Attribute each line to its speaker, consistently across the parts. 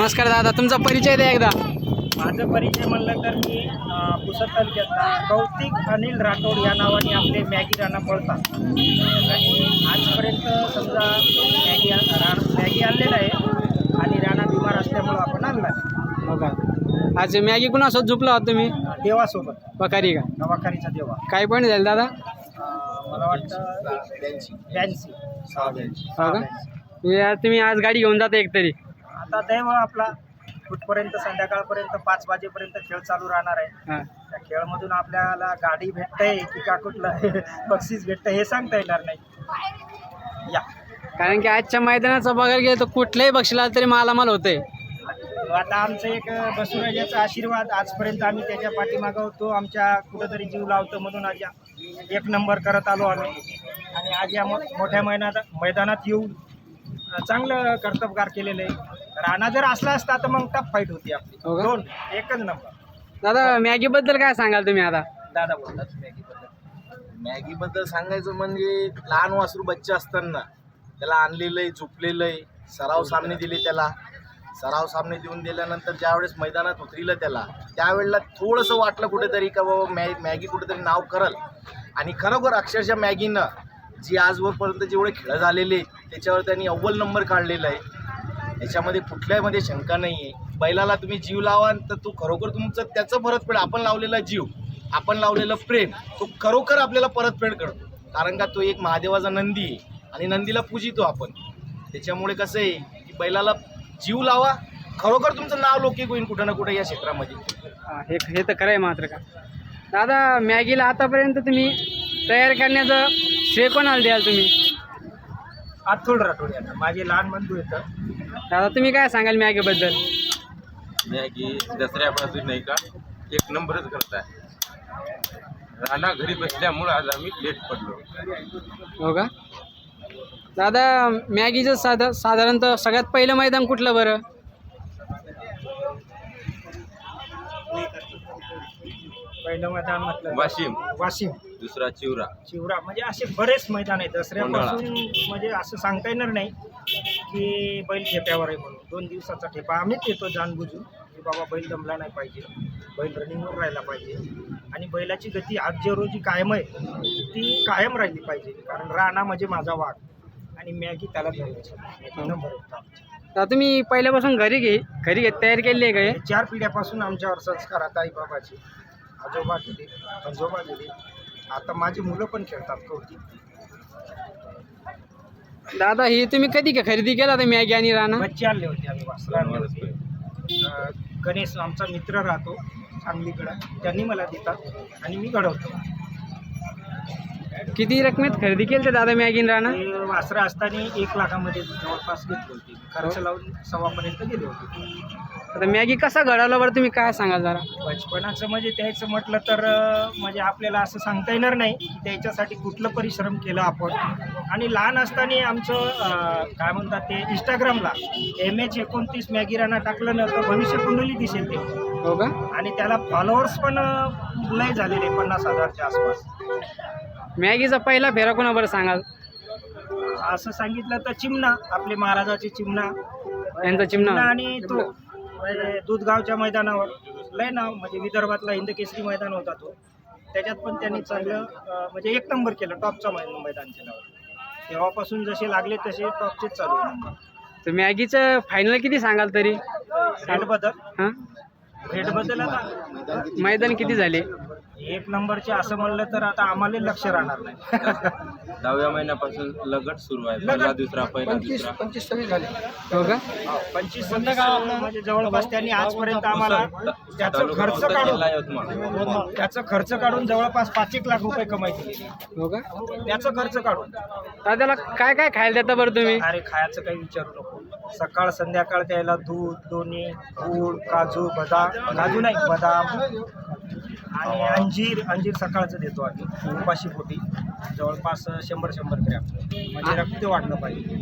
Speaker 1: नमस्कार दादा, तुमचा परिचय द्या एकदा.
Speaker 2: माझा परिचय म्हणलं तर मी पुसद तालुक्यातला कौतिक अनिल राठोड या नावाने आपले मॅगी राणा पळतात. आणि आजपर्यंत समजा मॅगी आणलेला आहे आणि राणा बिमार असल्यामुळं आपण आणला आहे.
Speaker 1: हो का? आज मॅगी कुणासोबत झोपला होता तुम्ही?
Speaker 2: देवासोबत,
Speaker 1: बकारी का?
Speaker 2: नवाखारीचा देवा.
Speaker 1: काय पॉईंट झाले दादा?
Speaker 2: मला वाटतं 82.
Speaker 1: हो का? तुम्ही आज गाडी घेऊन जाता एकतरी.
Speaker 2: आता दैव आपला कुठपर्यंत संध्याकाळपर्यंत 5 वाजेपर्यंत खेळ चालू राहणार आहे.
Speaker 1: हां,
Speaker 2: त्या खेळमधून आपल्याला गाडी भेटतंय की का कुठलं बक्षीस भेटतं हे सांगता येणार नाही. या
Speaker 1: कारण की आजच्या मैदानाचं बघायला गेलं तर कुठल्याही बक्षीला तरी मालामाल होतंय.
Speaker 2: आता आमचं एक बसवराजाचा आशीर्वाद आजपर्यंत आम्ही त्याच्या पाठीमागं होतो. आमच्या कुठंतरी जीव लावतो म्हणून आज 1 नंबर करत आलो आम्ही. आणि आज या मोठ्या मैदानात येऊन चांगलं कर्तबगार केलेलं आहे. राणा जर असला असता तर मग टफ फाईट होती आपली.
Speaker 1: हो का?
Speaker 2: 1 नंबर.
Speaker 1: दादा मॅगीबद्दल काय सांगाल तुम्ही आता?
Speaker 2: दादा बोलतात
Speaker 3: मॅगीबद्दल सांगायचं म्हणजे लहान वासरू बच्चे असताना त्याला आणलेलं आहे, झोपलेलं आहे, सराव सामने दिले त्याला. सराव सामने देऊन दिल्यानंतर ज्यावेळेस मैदानात उतरिलं त्यावेळेला थोडंसं वाटलं कुठेतरी का बाबा मॅगी कुठेतरी नाव करल. आणि खरोखर अक्षरशः मॅगीनं जी आजवरपर्यंत जेवढे खेळ झालेले त्याच्यावर त्यांनी अव्वल नंबर काढलेला आहे. याच्यामध्ये कुठल्यामध्ये शंका नाही आहे. बैलाला तुम्ही जीव लावा तर तो खरोखर तुमचं त्याचं परतफेड, आपण लावलेला जीव, आपण लावलेलं प्रेम तो खरोखर आपल्याला परतफेड करतो. कारण का तो एक महादेवाचा नंदी आहे आणि नंदीला पूजितो आपण. त्याच्यामुळे कसं आहे की बैलाला जीव लावा, खरोखर तुमचं नाव लौकिक होईल कुठं ना कुठं या क्षेत्रामध्ये.
Speaker 1: हे तर खरं आहे मात्र का? दादा मॅगीला आतापर्यंत तुम्ही तयार करण्याचं श्रेय कोणाला द्याल तुम्ही?
Speaker 2: अथोड राठोड यांना, माझे लहान बंधू येतं.
Speaker 1: दादा तुम्ही काय सांगाल मॅगीबद्दल?
Speaker 4: मॅगी दसऱ्यापासून नाही का 1 नंबरच करताय. राणा घरी बसल्यामुळे आज आम्ही लेट पडलो.
Speaker 1: हो का? दादा मॅगीचं साधारणतः सगळ्यात पहिलं मैदान कुठलं बरं?
Speaker 2: पहिलं मैदान म्हटलं
Speaker 4: वाशिम, दुसरा चिवरा.
Speaker 2: म्हणजे असे बरेच मैदान आहेत. दसऱ्यापासून म्हणजे असं सांगता येणार नाही की बैल ठेप्यावर आहे म्हणून. 2 दिवसाचा ठेपा आम्हीच येतो जाणबुजून की बाबा बैल दमला नाही पाहिजे, बैल रनिंगवर राहायला पाहिजे आणि बैलाची गती आज जे रोजी कायम आहे ती कायम राहिली पाहिजे. कारण राणा म्हणजे माझा वाघ आणि मॅगी त्याला धरायचं नंबर होता.
Speaker 1: दादा तुम्ही पहिल्यापासून घरी तयार केली आहे का हे?
Speaker 2: 4 पिढ्यापासून आमच्यावर संस्कार आता आई बाबाचे, आजोबा गेले, आजोबा गेले, आता माझी मुलं पण खेळतात कौतिक.
Speaker 1: दादा ही तुम्ही कधी का खरेदी केला होता मॅगी आणि राणा?
Speaker 2: बच्चे आणले होते आम्ही, वासरं आणले होते. गणेश आमचा मित्र राहतो सांगलीकडं, त्यांनी मला देतात आणि मी घडवतो.
Speaker 1: किती रकमेत खरेदी केली दादा मॅगी आणि राणा?
Speaker 2: ते वासरं असताना 1 लाखामध्ये जवळपास घेतली होती. खर्च लावून 1.25 गेले होते.
Speaker 1: आता मॅगी कसा घडवला बरं तुम्ही काय सांगाल जरा?
Speaker 2: बचपनाचं म्हणजे त्याचं म्हटलं तर म्हणजे आपल्याला असं सांगता येणार नाही की त्याच्यासाठी कुठलं परिश्रम केलं आपण. आणि लहान असताना आमचं काय म्हणतात ते इंस्टाग्रामला MH29 मॅगी राणा टाकलं ना तर भविष्य कुंडली दिसेल ते.
Speaker 1: हो का?
Speaker 2: आणि त्याला फॉलोअर्स पण लय झालेले 50,000च्या आसपास.
Speaker 1: मॅगीचा पहिला फेरा कोणा बरं सांगाल?
Speaker 2: असं सांगितलं तर चिमणा, आपले महाराजाचे चिमणा
Speaker 1: यांचा चिमणा
Speaker 2: आणि तो दूधगावच्या मैदानावर लय नाव म्हणजे विदर्भातला हिंदकेसरी मैदान होता तो. त्याच्यात पण त्यांनी चांगलं म्हणजे 1 नंबर केलं, टॉपचा मैदान केलं. तेव्हापासून जसे लागले तसे टॉपचेच चालू आहे.
Speaker 1: तर मॅगीचं फायनल किती सांगाल तरी?
Speaker 2: हेडबद्दल आता
Speaker 1: मैदान किती झाले?
Speaker 2: 1 नंबरचे असं म्हणलं तर आता आम्हाला लक्ष राहणार नाही.
Speaker 4: 10व्या महिन्यापासून लगट सुरू आहे. पहिला दुसरा
Speaker 2: 25-26 झाले.
Speaker 1: हो का?
Speaker 2: 25 म्हणजे जवळपास त्यांनी आजपर्यंत आम्हाला त्याचं खर्च काढून जवळपास 5-1 लाख रुपये कमाई केली.
Speaker 1: हो का?
Speaker 2: त्याचं खर्च काढून.
Speaker 1: तर त्याला काय काय खायला देता बरं तुम्ही?
Speaker 2: अरे खायचं काही विचारू नको. सकाळ संध्याकाळ त्याला दूध, दोन्ही, गूळ, काजू बदाम आणि अंजीर सकाळचं देतो आम्ही उपाशी पोटी. जवळपास 100 ग्रॅम म्हणजे रक्त वाढलं पाहिजे.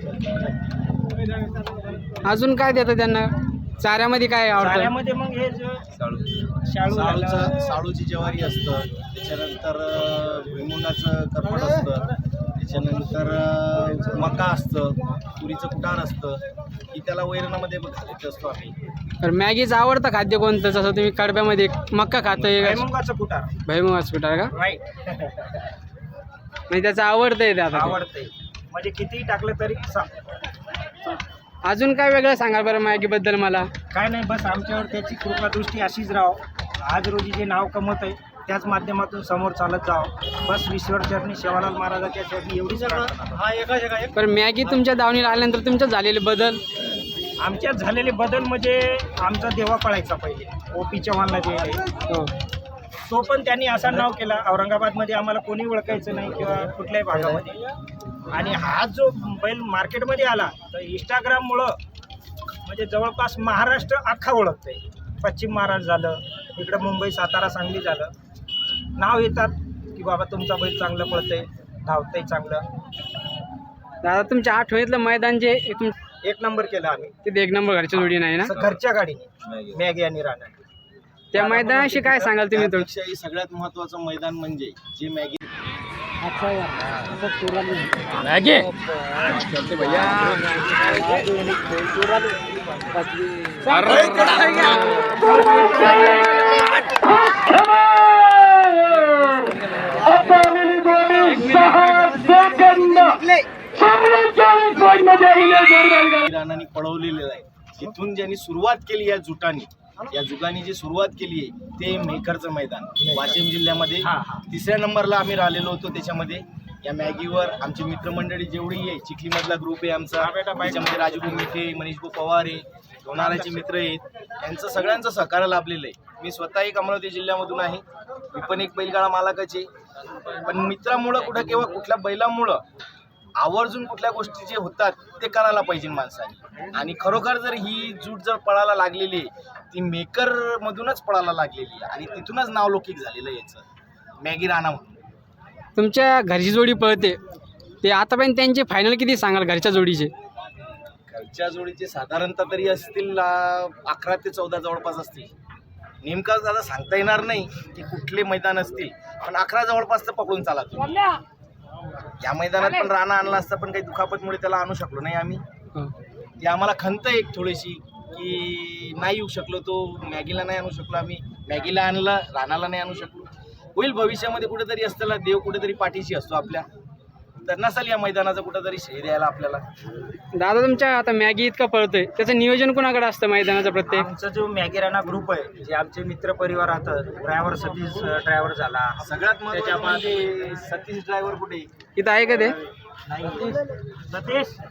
Speaker 1: अजून काय देतं त्यांना? चाऱ्यामध्ये काय आवडतं?
Speaker 2: चाऱ्यामध्ये मग हे शाळू
Speaker 3: साळूची ज्वारी असतं, त्याच्यानंतर भुईमुगाचं करपट असतं, त्याच्यानंतर मका असतं, तुरीचं कुटार असतं, की त्याला वैरणामध्ये घालत असतो आम्ही.
Speaker 1: तर मॅगीचं आवडतं खाद्य कोणतं? जसं तुम्ही कडब्यामध्ये मक्का खातोय,
Speaker 2: भुईमुगाचं कुटार
Speaker 1: भुईमुगाचं कुटार का?
Speaker 2: राईट.
Speaker 1: म्हणजे त्याचं आवडतंय ते आता ते.
Speaker 2: आवडतंय म्हणजे कितीही टाकलं तरी
Speaker 1: अजून काय वेगळं सांगाल बरं मॅगीबद्दल मला?
Speaker 2: काय नाही, बस आमच्यावर त्याची कृपादृष्टी अशीच राहो. आज रोजी जे नाव कमवत आहे त्याच माध्यमातून समोर चालत जावं. बस ईश्वर चरणी सेवालाल महाराजाच्या चरणी एवढीच प्रार्थना.
Speaker 1: पण मॅगी तुमच्या दावणीला आल्यानंतर तुमच्यात झालेले बदल?
Speaker 2: आमच्यात झालेले बदल म्हणजे आमचा देवा पळायचा पहिले ओपी चव्हाणला जे आहे
Speaker 1: हो.
Speaker 2: तो पण त्यांनी असा नाव केला. औरंगाबादमध्ये आम्हाला कोणी ओळखायचं नाही किंवा कुठल्याही भागामध्ये. आणि हा जो बैल मार्केटमध्ये आला तर इंस्टाग्राममुळं म्हणजे जवळपास महाराष्ट्र अख्खा ओळखतंय. पश्चिम महाराष्ट्र झालं, इकडं मुंबई, सातारा, सांगली झालं, नाव येतात की बाबा तुमचा बैल चांगलं पळतंय, धावतंय चांगलं.
Speaker 1: दादा तुमच्या आठवणीतलं मैदान जे
Speaker 2: एक नंबर केलं आम्ही
Speaker 1: तिथे एक नंबर घरची जोडी नाही ना?
Speaker 2: असं घरच्या गाडीने मॅगी आणि राणा.
Speaker 1: त्या मैदानाशी काय सांगाल तुम्ही?
Speaker 3: त्यापेक्षाही सगळ्यात महत्त्वाचं मैदान म्हणजे जे मॅगी राणांनी पळवलेलं आहे. तिथून ज्यांनी सुरुवात केली या जुगानी जी सुरुवात केली आहे ते मेकरचं मैदान वाशिम जिल्ह्यामध्ये तिसऱ्या नंबरला आम्ही राहिलेलो होतो. त्याच्यामध्ये या मॅगीवर आमची मित्रमंडळी जेवढी आहे, चिखलीमधला ग्रुप आहे आमचा, त्याच्यामध्ये राजू मिठे, मनीषभाऊ पवार आहे, लोणावळ्याचे मित्र आहेत, यांचं सगळ्यांचं सहकार्य लाभलेलं आहे. मी स्वतःही अमरावती जिल्ह्यामधून आहे, मी पण एक बैलगाडा मालकाचे. पण मित्रामुळं कुठं किंवा कुठल्या बैलामुळं आवर्जून कुठल्या गोष्टी जे होतात ते करायला पाहिजे माणसाने. आणि खरोखर जर ही जूट जर पळायला लागलेली आहे ती मेकरमधूनच पळायला लागलेली आहे आणि तिथूनच नाव लौकिक झालेलं आहे याचं मॅगी राणा म्हणून.
Speaker 1: तुमच्या घरची जोडी पळते ते आतापर्यंत त्यांचे फायनल किती सांगाल घरच्या जोडीचे?
Speaker 3: घरच्या जोडीचे साधारणतः तरी असतील 11 ते 14 जवळपास असतील. नेमकं दादा सांगता येणार नाही की कुठले मैदान असतील, पण 11 जवळपास तर पकडून चाला तुम्ही. या मैदानात पण राणा आणला असता, पण काही दुखापतमुळे त्याला आणू शकलो नाही आम्ही. ती आम्हाला खंत एक थोडीशी की नाही येऊ शकलो, तो मॅगीला नाही आणू शकलो आम्ही. मॅगीला आणलं, राणाला नाही आणू शकलो. होईल भविष्यामध्ये कुठेतरी असताना देव कुठेतरी पाठीशी असतो आपल्या, तर नसेल या मैदानाचं कुठेतरी श्रेय द्यायला आपल्याला.
Speaker 1: दादा तुमच्या आता मॅगी इतका पळतोय त्याचं नियोजन कोणाकडे असतं मैदानाचं? प्रत्येक
Speaker 2: आमचा जो मॅगी राणा ग्रुप आहे, जे आमचे मित्र परिवार राहतात, ड्रायव्हर सतीश ड्रायव्हर झाला,
Speaker 3: सगळ्यात महत्त्वाचं म्हणजे सतीश ड्रायव्हर कुठे
Speaker 1: इथं आहे का ते?
Speaker 2: सतीश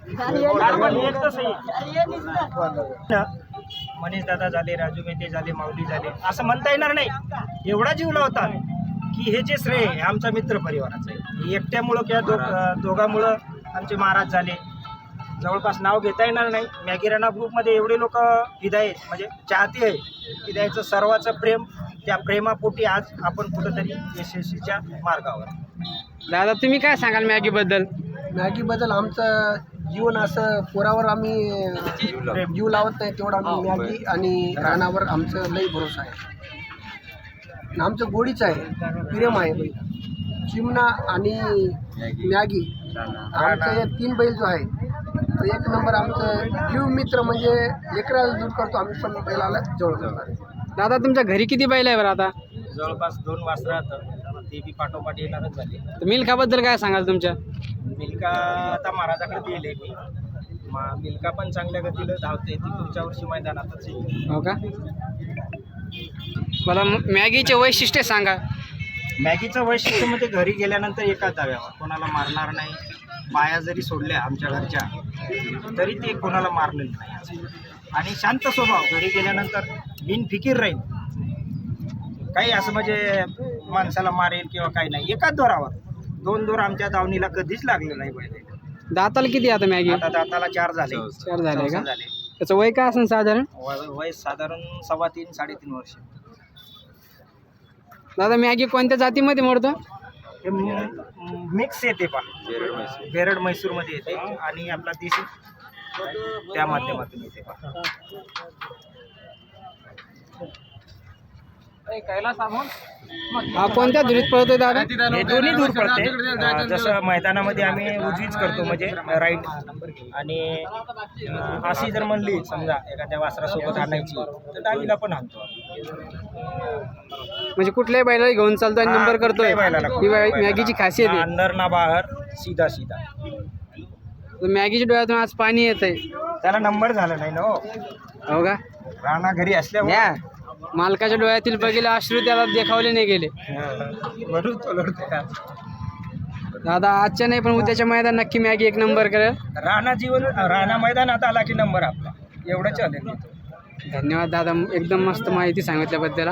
Speaker 2: मनीष दादा झाले, राजू मेहते झाले, माऊली झाले, असं म्हणता येणार नाही. एवढा जीव लावतात की हे जे श्रेय आहे आमचा मित्र परिवाराचं आहे. एकट्यामुळं किंवा दोघांमुळं आमचे महाराज झाले, जवळपास नाव घेता येणार नाही. मॅगी राणा ग्रुपमध्ये एवढे लोक विधायक म्हणजे चाहते आहे की त्याचं सर्वाचं प्रेम, त्या प्रेमापोटी आज आपण कुठंतरी यशस्वीच्या मार्गावर.
Speaker 1: दादा तुम्ही काय सांगाल मॅगीबद्दल?
Speaker 5: मॅगीबद्दल आमचं जीवन असं पोरावर आम्ही जीव लावत नाही तेवढं आम्ही मॅगी आणि राणावर आमचं लई भरोसा आहे. आणि आमचं गोडीच आहे, प्रेम आहे. बैल चिमणा आणि मॅगी आमचं हे 3 बैल जो आहे तो एक नंबर आमचं जीव मित्र, म्हणजे लेकराला दूर करतो आम्ही, पण बैलाला जवळ करतो.
Speaker 1: दादा तुमच्या घरी किती बैल आहे बरं आता?
Speaker 2: जवळपास 2 वासरं राहतात, ते बी पाठोपाठ येणारच झाले.
Speaker 1: तर मिल्खाबद्दल काय सांगाल तुमच्या?
Speaker 2: मिल्का आता महाराजाकडे दिले मी. मिल्का पण चांगल्या गतीला धावते, ती पुढच्या वर्षी मैदानातच येईल.
Speaker 1: हो का? मला मॅगीचे वैशिष्ट्य सांगा.
Speaker 2: मॅगीचं वैशिष्ट्य म्हणजे घरी गेल्यानंतर एकाच धाव्यावर, कोणाला मारणार नाही. बाया जरी सोडल्या आमच्या घरच्या तरी ते कोणाला मारलेलं नाही. आणि शांत स्वभाव, घरी गेल्यानंतर बिनफिकीर राहील. काही असं म्हणजे माणसाला मारेल किंवा काही नाही. एकाच दोरावर, 2 दोर आमच्या दावणीला कधीच लागले नाही पहिले.
Speaker 1: दाताला किती आता मॅगी?
Speaker 2: आता दाताला 4 झाले.
Speaker 1: 4 झाले का?
Speaker 2: झाले.
Speaker 1: त्याचं वय काय असेल साधारण?
Speaker 2: वय साधारण 3.5-3.5 वर्ष.
Speaker 1: दादा मॅगी कोणत्या जातीमध्ये मोडतो?
Speaker 2: हे मिक्स येते पा, बेरड म्हैसूरमध्ये येते आणि आपला देशी त्या माध्यमातून येते पा.
Speaker 1: हा कोणत्या धुरीत पळतोय दादा?
Speaker 2: हे दोन्ही दूर पडते. जसं मैदानामध्ये आम्ही उजवीच करतो म्हणजे राईट, आणि अशी जर म्हणली समजा एखाद्या वासरासोबत आणायची तर डावीला पण आणतो.
Speaker 1: म्हणजे कुठल्याही बैलाला घेऊन चालतो आणि नंबर करतोय.
Speaker 2: कुठल्याही बैलाला.
Speaker 1: ही मॅगीची खासियत आहे.
Speaker 2: अंदर ना बाहेर, सीधा सीधा.
Speaker 1: तर मॅगीच्या डोळ्यातून आज पाणी येत आहे.
Speaker 2: त्याला नंबर झाला नाही ना हो.
Speaker 1: हो का?
Speaker 2: राणा घरी असल्यामुळे
Speaker 1: मालकाच्या डोळ्यातील बघितले अश्रू त्याला देखावले नाही गेले.
Speaker 2: म्हणून तो लढतो का.
Speaker 1: दादा आजच्या नाही पण उद्याच्या मैदान नक्की मॅगी एक नंबर करेल.
Speaker 2: राणा मैदानात आला की नंबर आपला, एवढं चालेल.
Speaker 1: धन्यवाद दादा, एकदम मस्त माहिती सांगितल्याबद्दल.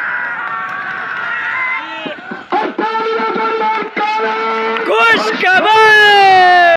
Speaker 1: खुश खबर.